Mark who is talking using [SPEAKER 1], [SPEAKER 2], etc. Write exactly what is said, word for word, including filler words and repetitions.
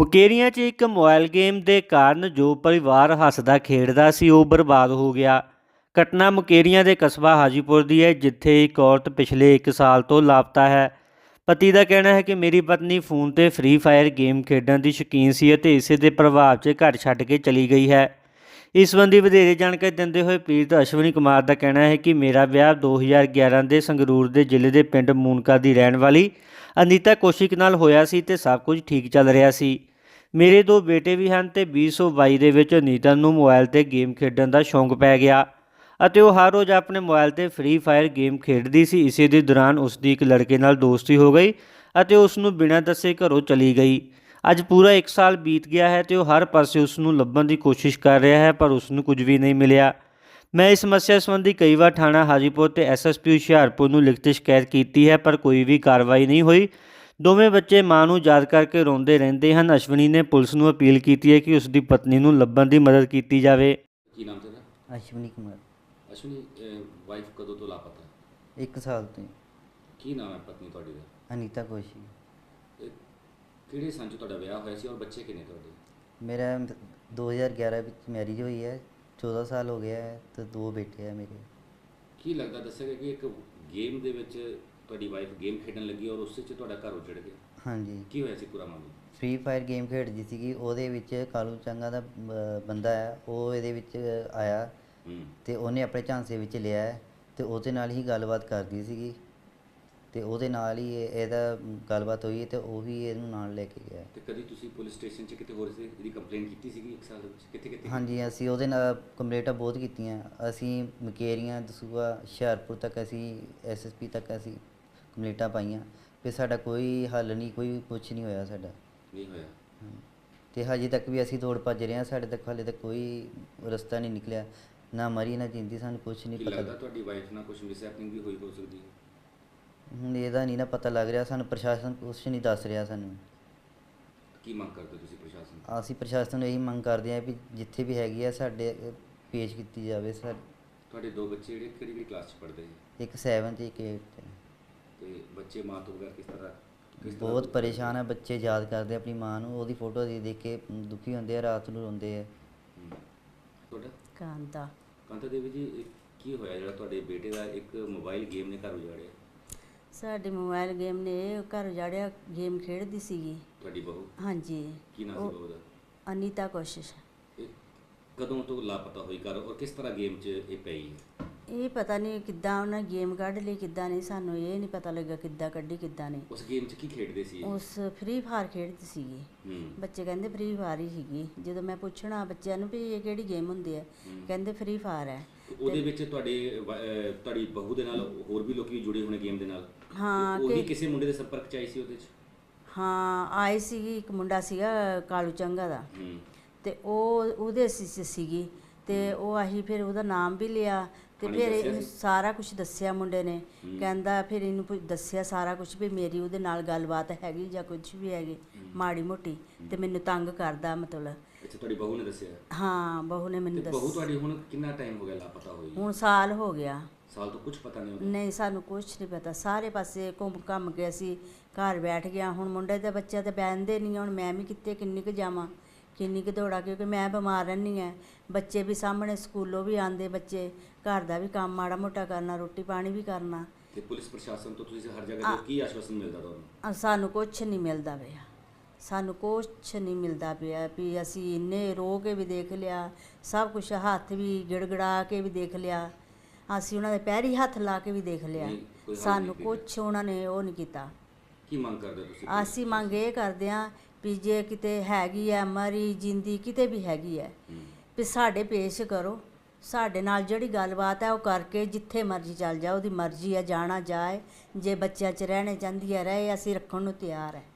[SPEAKER 1] ਮੁਕੇਰੀਆਂ 'ਚ ਇੱਕ mobile game ਦੇ ਕਾਰਨ ਜੋ ਪਰਿਵਾਰ ਹੱਸਦਾ ਖੇਡਦਾ ਸੀ ਉਹ ਬਰਬਾਦ ਹੋ ਗਿਆ। ਘਟਨਾ ਮੁਕੇਰੀਆਂ ਦੇ ਕਸਬਾ ਹਾਜੀਪੁਰ ਦੀ ਹੈ, ਜਿੱਥੇ ਇੱਕ ਔਰਤ ਪਿਛਲੇ ਇੱਕ ਸਾਲ ਤੋਂ ਲਾਪਤਾ ਹੈ। ਪਤੀ ਦਾ ਕਹਿਣਾ ਹੈ ਕਿ ਮੇਰੀ ਪਤਨੀ ਫੋਨ 'ਤੇ ਫ੍ਰੀ ਫਾਇਰ ਗੇਮ ਖੇਡਣ ਦੀ ਸ਼ੌਕੀਨ ਸੀ ਅਤੇ ਇਸੇ ਦੇ ਪ੍ਰਭਾਵ 'ਚ ਘਰ ਛੱਡ ਕੇ ਚਲੀ ਗਈ ਹੈ। ਇਸ ਸੰਬੰਧੀ ਵਧੇਰੇ ਜਾਣਕਾਰੀ ਦਿੰਦੇ ਹੋਏ ਪੀੜਤ ਅਸ਼ਵਨੀ ਕੁਮਾਰ ਦਾ ਕਹਿਣਾ ਹੈ ਕਿ ਮੇਰਾ ਵਿਆਹ ਦੋ ਹਜ਼ਾਰ ਗਿਆਰਾਂ ਦੇ ਸੰਗਰੂਰ ਦੇ ਜ਼ਿਲ੍ਹੇ ਦੇ ਪਿੰਡ ਮੂਨਕਾ ਦੀ ਰਹਿਣ ਵਾਲੀ ਅਨੀਤਾ ਕੌਸ਼ਿਕ ਨਾਲ ਹੋਇਆ ਸੀ ਤੇ ਸਭ ਕੁਝ ਠੀਕ ਚੱਲ ਰਿਹਾ ਸੀ। ਮੇਰੇ ਦੋ ਬੇਟੇ ਵੀ ਹਨ ਤੇ ਵੀਹ ਸੌ ਬਾਈ ਦੇ ਵਿੱਚ ਅਨੀਤਾ ਨੂੰ ਮੋਬਾਈਲ 'ਤੇ ਗੇਮ ਖੇਡਣ ਦਾ ਸ਼ੌਂਕ ਪੈ ਗਿਆ ਅਤੇ ਉਹ ਹਰ ਰੋਜ਼ ਆਪਣੇ ਮੋਬਾਈਲ 'ਤੇ ਫ੍ਰੀ ਫਾਇਰ ਗੇਮ ਖੇਡਦੀ ਸੀ। ਇਸੇ ਦੇ ਦੌਰਾਨ ਉਸ ਦੀ ਇੱਕ ਲੜਕੇ ਨਾਲ ਦੋਸਤੀ ਹੋ ਗਈ ਅਤੇ ਉਸ ਨੂੰ ਬਿਨਾਂ ਦੱਸੇ ਘਰੋਂ ਚਲੀ ਗਈ। ਅੱਜ ਪੂਰਾ ਇੱਕ ਸਾਲ ਬੀਤ ਗਿਆ ਹੈ ਤੇ ਉਹ ਹਰ ਪਾਸੇ ਉਸ ਨੂੰ ਲੱਭਣ ਦੀ ਕੋਸ਼ਿਸ਼ ਕਰ ਰਿਹਾ ਹੈ, ਪਰ ਉਸ ਨੂੰ ਕੁਝ ਵੀ ਨਹੀਂ ਮਿਲਿਆ। ਮੈਂ ਇਸ ਸਮੱਸਿਆ ਸੰਬੰਧੀ ਕਈ ਵਾਰ ਥਾਣਾ ਹਾਜੀਪੁਰ ਤੇ ਐਸ ਐਸ ਪੀ ਹੁਸ਼ਿਆਰਪੁਰ ਨੂੰ ਲਿਖਤ ਸ਼ਿਕਾਇਤ ਕੀਤੀ ਹੈ, ਪਰ ਕੋਈ ਵੀ ਕਾਰਵਾਈ ਨਹੀਂ ਹੋਈ। ਦੋਵੇਂ ਬੱਚੇ ਮਾਂ ਨੂੰ ਯਾਦ ਕਰਕੇ ਰੋਂਦੇ ਰਹਿੰਦੇ ਹਨ। ਅਸ਼ਵਨੀ ਨੇ ਪੁਲਿਸ ਨੂੰ ਅਪੀਲ ਕੀਤੀ ਹੈ ਕਿ ਉਸ ਦੀ ਪਤਨੀ ਨੂੰ ਲੱਭਣ ਦੀ ਮਦਦ ਕੀਤੀ ਜਾਵੇ।
[SPEAKER 2] ਕੀ ਨਾਮ ਤੇਰਾ?
[SPEAKER 3] ਅਸ਼ਵਨੀ ਕੁਮਾਰ।
[SPEAKER 2] ਅਸ਼ਵਨੀ, ਵਾਈਫ ਕਦੋਂ ਤੋਂ ਲਾਪਤਾ?
[SPEAKER 3] ਇੱਕ ਸਾਲ ਤੋਂ ਹੀ।
[SPEAKER 2] ਕੀ ਨਾਮ ਹੈ ਪਤਨੀ ਤੁਹਾਡੀ ਦਾ?
[SPEAKER 3] ਅਨੀਤਾ ਕੌਸ਼ਿਕ।
[SPEAKER 2] ਇਹ ਕਿਹੜੇ ਸੰਨ 'ਚ ਤੁਹਾਡਾ ਵਿਆਹ ਹੋਇਆ ਸੀ ਔਰ ਬੱਚੇ ਕਿੰਨੇ ਤੁਹਾਡੇ?
[SPEAKER 3] ਮੇਰਾ ਦੋ ਹਜ਼ਾਰ ਗਿਆਰਾਂ ਵਿੱਚ ਮੈਰਿਜ ਹੋਈ ਹੈ, ਚੌਦ੍ਹਾਂ ਸਾਲ ਹੋ ਗਿਆ ਹੈ ਤੇ ਦੋ ਬੇਟੇ ਹੈ ਮੇਰੇ।
[SPEAKER 2] ਕੀ ਲੱਗਦਾ, ਦੱਸਿਆ ਕਿ ਇੱਕ ਗੇਮ ਦੇ ਵਿੱਚ ਤੁਹਾਡੀ ਵਾਈਫ ਗੇਮ ਖੇਡਣ ਲੱਗੀ ਔਰ ਉਸੇ 'ਚ ਤੁਹਾਡਾ ਘਰ ਉਜੜ ਗਿਆ?
[SPEAKER 3] ਹਾਂਜੀ।
[SPEAKER 2] ਕੀ ਹੋਇਆ ਸੀ ਪੂਰਾ ਮਾਮਲਾ?
[SPEAKER 3] ਫ੍ਰੀ ਫਾਇਰ ਗੇਮ ਖੇਡਦੀ ਸੀਗੀ, ਉਹਦੇ ਵਿੱਚ ਕਾਲੂ ਚੰਗਾ ਦਾ ਬ- ਬੰਦਾ ਹੈ, ਉਹ ਇਹਦੇ ਵਿੱਚ ਆਇਆ ਤੇ ਉਹਨੇ ਆਪਣੇ ਝਾਂਸੇ ਵਿੱਚ ਲਿਆ ਹੈ ਤੇ ਉਹਦੇ ਨਾਲ ਹੀ ਗੱਲਬਾਤ ਕਰਦੀ ਸੀਗੀ ਤੇ ਉਹਦੇ ਨਾਲ ਹੀ ਇਹ- ਇਹਦਾ ਗੱਲਬਾਤ ਹੋਈ ਤੇ ਉਹ ਵੀ ਇਹਨੂੰ ਨਾਲ ਲੈ ਕੇ ਗਿਆ।
[SPEAKER 2] ਤੇ ਕਦੀ ਤੁਸੀਂ ਪੁਲਿਸ ਸਟੇਸ਼ਨ 'ਚ ਕਿਤੇ ਹੋਰ ਸੀ ਇਹਦੀ ਕੰਪਲੇਂਟ ਕੀਤੀ ਸੀਗੀ ਇੱਕ ਸਾਲ ਦੇ ਵਿੱਚ? ਕਿੱਥੇ ਕਿੱਥੇ?
[SPEAKER 3] ਹਾਂਜੀ, ਅਸੀਂ ਉਹਦੇ ਨਾਲ ਕੰਪਲੇਂਟਾਂ ਬਹੁਤ ਕੀਤੀਆਂ। ਅਸੀਂ ਮੁਕੇਰੀਆਂ, ਦਸੂਹਾ, ਹੁਸ਼ਿਆਰਪੁਰ ਤੱਕ ਅਸੀਂ ਐਸ ਐਸ ਪੀ ਤੱਕ ਅਸੀਂ ਕੰਪਲੇਂਟਾਂ ਪਾਈਆਂ, ਫਿਰ ਸਾਡਾ ਕੋਈ ਹੱਲ ਨਹੀਂ, ਕੋਈ ਕੁਛ ਨਹੀਂ ਹੋਇਆ ਸਾਡਾ।
[SPEAKER 2] ਨਹੀਂ ਹੋਇਆ?
[SPEAKER 3] ਤੇ ਹਜੇ ਤੱਕ ਵੀ ਅਸੀਂ ਦੌੜ ਭੱਜ ਰਹੇ ਹਾਂ, ਸਾਡੇ ਤੱਕ ਹਾਲੇ ਤੱਕ ਕੋਈ ਰਸਤਾ ਨਹੀਂ ਨਿਕਲਿਆ, ਨਾ ਮਰੀ ਨਾ ਜਿੰਦੀ, ਸਾਨੂੰ ਕੁਛ ਨਹੀਂ
[SPEAKER 2] ਕੀ
[SPEAKER 3] ਪਤਾ।
[SPEAKER 2] ਲੱਗਦਾ ਤੁਹਾਡੀ ਵਾਈਫ ਨਾਲ ਕੁਝ ਮਿਸਹੈਪਨਿੰਗ ਵੀ ਹੋਈ ਹੋ ਸਕਦੀ ਹੈ?
[SPEAKER 3] ਹੁਣ ਇਹਦਾ ਨਹੀਂ ਨਾ ਪਤਾ ਲੱਗ ਰਿਹਾ ਸਾਨੂੰ, ਪ੍ਰਸ਼ਾਸਨ ਕੁਛ ਨਹੀਂ ਦੱਸ ਰਿਹਾ ਸਾਨੂੰ।
[SPEAKER 2] ਕੀ ਮੰਗ ਕਰਦੇ ਤੁਸੀਂ ਪ੍ਰਸ਼ਾਸਨ ਤੋਂ?
[SPEAKER 3] ਅਸੀਂ ਪ੍ਰਸ਼ਾਸਨ ਨੂੰ ਇਹੀ ਮੰਗ ਕਰਦੇ ਹਾਂ ਵੀ ਜਿੱਥੇ ਵੀ ਹੈਗੀ ਆ ਸਾਡੇ ਪੇਸ਼ ਕੀਤੀ ਜਾਵੇ। ਸਰ,
[SPEAKER 2] ਤੁਹਾਡੇ ਦੋ ਬੱਚੇ ਜਿਹੜੇ ਕਿਹੜੀ ਕਿਹੜੀ ਕਲਾਸ 'ਚ ਪੜ੍ਹਦੇ ਹੈ?
[SPEAKER 3] ਇੱਕ ਸੈਵਨ ਤੇ ਇੱਕ ਏਟ ਤੇ।
[SPEAKER 2] ਤੇ ਬੱਚੇ ਮਾਂ ਤੋਂ ਬਗੈਰ ਕਿਸ ਤਰ੍ਹਾਂ ਕਿਸ ਤਰ੍ਹਾਂ
[SPEAKER 3] ਬਹੁਤ ਪਰੇਸ਼ਾਨ ਹੈ ਬੱਚੇ, ਯਾਦ ਕਰਦੇ ਆਪਣੀ ਮਾਂ ਨੂੰ, ਉਹਦੀ ਫੋਟੋ ਦੇਖ ਦੇਖ ਕੇ ਦੁਖੀ ਹੁੰਦੇ ਆ, ਰਾਤ ਨੂੰ ਰੋਂਦੇ ਆ।
[SPEAKER 2] ਹਮ। ਤੁਹਾਡਾ?
[SPEAKER 4] ਕਾਂਤਾ।
[SPEAKER 2] ਕਾਂਤਾ ਦੇਵੀ ਜੀ, ਇਹ ਕੀ ਹੋਇਆ ਜਿਹੜਾ ਤੁਹਾਡੇ ਬੇਟੇ ਦਾ ਇੱਕ ਮੋਬਾਈਲ ਗੇਮ ਨੇ ਘਰ ਉਜਾੜਿਆ?
[SPEAKER 4] ਸਾਡੇ ਮੋਬਾਈਲ ਗੇਮ ਨੇ ਘਰ ਉਜਾੜਿਆ। ਗੇਮ ਖੇਡਦੀ ਸੀਗੀ
[SPEAKER 2] ਤੁਹਾਡੀ ਬਹੂ?
[SPEAKER 4] ਹਾਂਜੀ।
[SPEAKER 2] ਕੀ ਨਾਮ
[SPEAKER 4] ਉਹ
[SPEAKER 2] ਸੀ ਬਹੂ ਦਾ?
[SPEAKER 4] ਅਨੀਤਾ ਕੋਸ਼ਿਸ਼।
[SPEAKER 2] ਇਹ ਕਦੋਂ ਤੋਂ ਲਾਪਤਾ ਹੋਈ ਘਰ ਔਰ ਕਿਸ ਤਰ੍ਹਾਂ ਗੇਮ 'ਚ ਇਹ ਪਈ ਹੈ?
[SPEAKER 4] ਇਹ ਪਤਾ ਨਹੀਂ ਕਿੱਦਾਂ ਉਹਨਾਂ ਗੇਮ ਕੱਢ ਲਈ, ਕਿੱਦਾਂ ਨਹੀਂ, ਸਾਨੂੰ ਇਹ ਨਹੀਂ ਪਤਾ ਲੱਗਾ ਕਿੱਦਾਂ ਕੱਢੀ ਕਿੱਦਾਂ ਨਹੀਂ।
[SPEAKER 2] ਉਸ ਗੇਮ 'ਚ ਕੀ ਖੇਡਦੇ ਸੀ ਇਹ?
[SPEAKER 4] ਉਸ ਫ੍ਰੀ ਫਾਇਰ ਖੇਡਦੀ ਸੀਗੀ।
[SPEAKER 2] ਹੂੰ।
[SPEAKER 4] ਬੱਚੇ ਕਹਿੰਦੇ ਫ੍ਰੀ ਫਾਇਰ ਹੀ ਸੀਗੀ। ਜਦੋਂ ਮੈਂ ਪੁੱਛਣਾ ਬੱਚਿਆਂ ਨੂੰ ਵੀ ਇਹ ਕਿਹੜੀ ਗੇਮ ਹੁੰਦੀ ਹੈ, ਕਹਿੰਦੇ ਫ੍ਰੀ ਫਾਇਰ ਹੈ।
[SPEAKER 2] ਉਹਦੇ ਵਿੱਚ ਤੁਹਾਡੇ ਵ- ਅਹ ਤੁਹਾਡੀ ਬਹੂ ਦੇ ਨਾਲ ਹੋਰ ਵੀ ਲੋਕੀ ਜੁੜੇ ਹੋਣੇ ਗੇਮ ਦੇ ਨਾਲ?
[SPEAKER 4] ਹਾਂ,
[SPEAKER 2] ਉਹ ਵੀ
[SPEAKER 4] ਕਿ
[SPEAKER 2] ਕਿਸੇ ਮੁੰਡੇ ਦੇ ਸੰਪਰਕ 'ਚ ਆਈ ਸੀ ਉਹਦੇ 'ਚ?
[SPEAKER 4] ਹਾਂ ਆਈ ਸੀਗੀ, ਇੱਕ ਮੁੰਡਾ ਸੀਗਾ ਕਾਲੂ ਚੰਗਾ ਦਾ
[SPEAKER 2] ਹੂੰ।
[SPEAKER 4] ਤੇ ਉਹ ਉਹਦੇ ਸੀ ਸੀਗੀ ਤੇ ਉਹ ਆਹੀ ਫਿਰ ਉਹਦਾ ਨਾਮ ਵੀ ਲਿਆ ਤੇ
[SPEAKER 2] ਉਹਨੇ
[SPEAKER 4] ਫਿਰ
[SPEAKER 2] ਦੱਸਿਆ
[SPEAKER 4] ਇਹਨੂੰ
[SPEAKER 2] ਸੀ?
[SPEAKER 4] ਸਾਰਾ ਕੁਝ ਦੱਸਿਆ ਮੁੰਡੇ ਨੇ।
[SPEAKER 2] ਹੂੰ।
[SPEAKER 4] ਕਹਿੰਦਾ ਫਿਰ ਇਹਨੂੰ ਪੁ- ਦੱਸਿਆ ਸਾਰਾ ਕੁਝ ਵੀ ਮੇਰੀ ਉਹਦੇ ਨਾਲ ਗੱਲਬਾਤ ਹੈਗੀ ਜਾਂ ਕੁਝ ਵੀ ਹੈਗੀ ਮਾੜੀ ਮੋਟੀ ਤੇ ਮੈਨੂੰ ਤੰਗ ਕਰਦਾ ਮਤਲਬ।
[SPEAKER 2] ਅੱਛਾ, ਤੁਹਾਡੀ ਬਹੂ ਨੇ ਦੱਸਿਆ?
[SPEAKER 4] ਹਾਂ, ਬਹੂ ਨੇ
[SPEAKER 2] ਤੇ
[SPEAKER 4] ਮੈਨੂੰ
[SPEAKER 2] ਬਹੂ
[SPEAKER 4] ਦੱਸ।
[SPEAKER 2] ਤੁਹਾਡੀ ਹੁਣ ਕਿੰਨਾ ਟਾਈਮ ਹੋ ਗਿਆ ਲਾਪਤਾ ਹੋਈ?
[SPEAKER 4] ਹੁਣ ਸਾਲ ਹੋ ਗਿਆ।
[SPEAKER 2] ਸਾਲ ਤੋਂ ਕੁਝ ਪਤਾ ਨਹੀਂ ਹੁੰਦਾ?
[SPEAKER 4] ਨਹੀਂ, ਸਾਨੂੰ ਕੁਝ ਨਹੀਂ ਪਤਾ। ਸਾਰੇ ਪਾਸੇ ਘੁੰਮ ਘੰਮ ਕੇ ਅਸੀਂ ਘਰ ਬੈਠ ਗਿਆ। ਹੁਣ ਮੁੰਡੇ ਦੇ ਬੱਚੇ ਤੇ ਬਹਿੰਦੇ ਨਹੀਂ, ਹੁਣ ਮੈਂ ਵੀ ਕਿੱਥੇ ਕਿੰਨੀ ਕੁ ਜਾਵਾਂ, ਕਿੰਨੀ ਕੁ ਦੌੜਾਂ, ਕਿਉਂਕਿ ਮੈਂ ਬਿਮਾਰ ਰਹਿੰਦੀ ਹਾਂ। ਬੱਚੇ ਵੀ ਸਾਹਮਣੇ ਸਕੂਲੋਂ ਵੀ ਆਉਂਦੇ, ਬੱਚੇ ਘਰ ਦਾ ਵੀ ਕੰਮ ਮਾੜਾ ਮੋਟਾ ਕਰਨਾ, ਰੋਟੀ ਪਾਣੀ ਵੀ ਕਰਨਾ।
[SPEAKER 2] ਤੇ ਪੁਲਿਸ ਪ੍ਰਸ਼ਾਸਨ ਤੋਂ ਤੁਸੀਂ ਹਰ ਜਗ੍ਹਾ ਤੇ ਕੀ ਆਸ਼ਵਾਸਨ ਮਿਲਦਾ ਤੁਹਾਨੂੰ?
[SPEAKER 4] ਅ, ਸਾਨੂੰ ਕੁਛ ਨਹੀਂ ਮਿਲਦਾ ਪਿਆ, ਸਾਨੂੰ ਕੁਛ ਨਹੀਂ ਮਿਲਦਾ ਪਿਆ ਵੀ ਅਸੀਂ ਇੰਨੇ ਰੋ ਕੇ ਵੀ ਦੇਖ ਲਿਆ, ਸਭ ਕੁਝ ਹੱਥ ਵੀ ਗਿੜਗੜਾ ਕੇ ਵੀ ਦੇਖ ਲਿਆ, ਅਸੀਂ ਉਹਨਾਂ ਦੇ ਪੈਰੀ ਹੱਥ ਲਾ ਕੇ ਵੀ ਦੇਖ ਲਿਆ,
[SPEAKER 2] ਨਹੀਂ, ਕੋਈ ਹੱਲ
[SPEAKER 4] ਸਾਨੂੰ
[SPEAKER 2] ਨਹੀਂ ਕੀਤਾ?
[SPEAKER 4] ਕੁਛ ਉਹਨਾਂ ਨੇ ਉਹ ਨਹੀਂ ਕੀਤਾ।
[SPEAKER 2] ਕੀ ਮੰਗ ਕਰਦੇ ਹੋ ਤੁਸੀਂ?
[SPEAKER 4] ਅਸੀਂ ਮੰਗ ਇਹ ਕਰਦੇ ਹਾਂ ਵੀ ਜੇ ਕਿਤੇ ਹੈਗੀ ਹੈ ਮਰੀ ਜਿੰਦੀ, ਕਿਤੇ ਵੀ ਹੈਗੀ ਹੈ,
[SPEAKER 2] ਹੂੰ।
[SPEAKER 4] ਵੀ ਸਾਡੇ ਪੇਸ਼ ਕਰੋ। ਸਾਡੇ ਨਾਲ ਜਿਹੜੀ ਗੱਲਬਾਤ ਹੈ ਉਹ ਕਰਕੇ ਜਿੱਥੇ ਮਰਜ਼ੀ ਚੱਲ ਜਾ, ਉਹਦੀ ਮਰਜ਼ੀ ਹੈ, ਜਾਣਾ ਜਾਏ। ਜੇ ਬੱਚਿਆਂ 'ਚ ਰਹਿਣੇ ਚਾਹੁੰਦੀ ਹੈ ਰਹੇ, ਅਸੀਂ ਰੱਖਣ ਨੂੰ ਤਿਆਰ ਹੈ।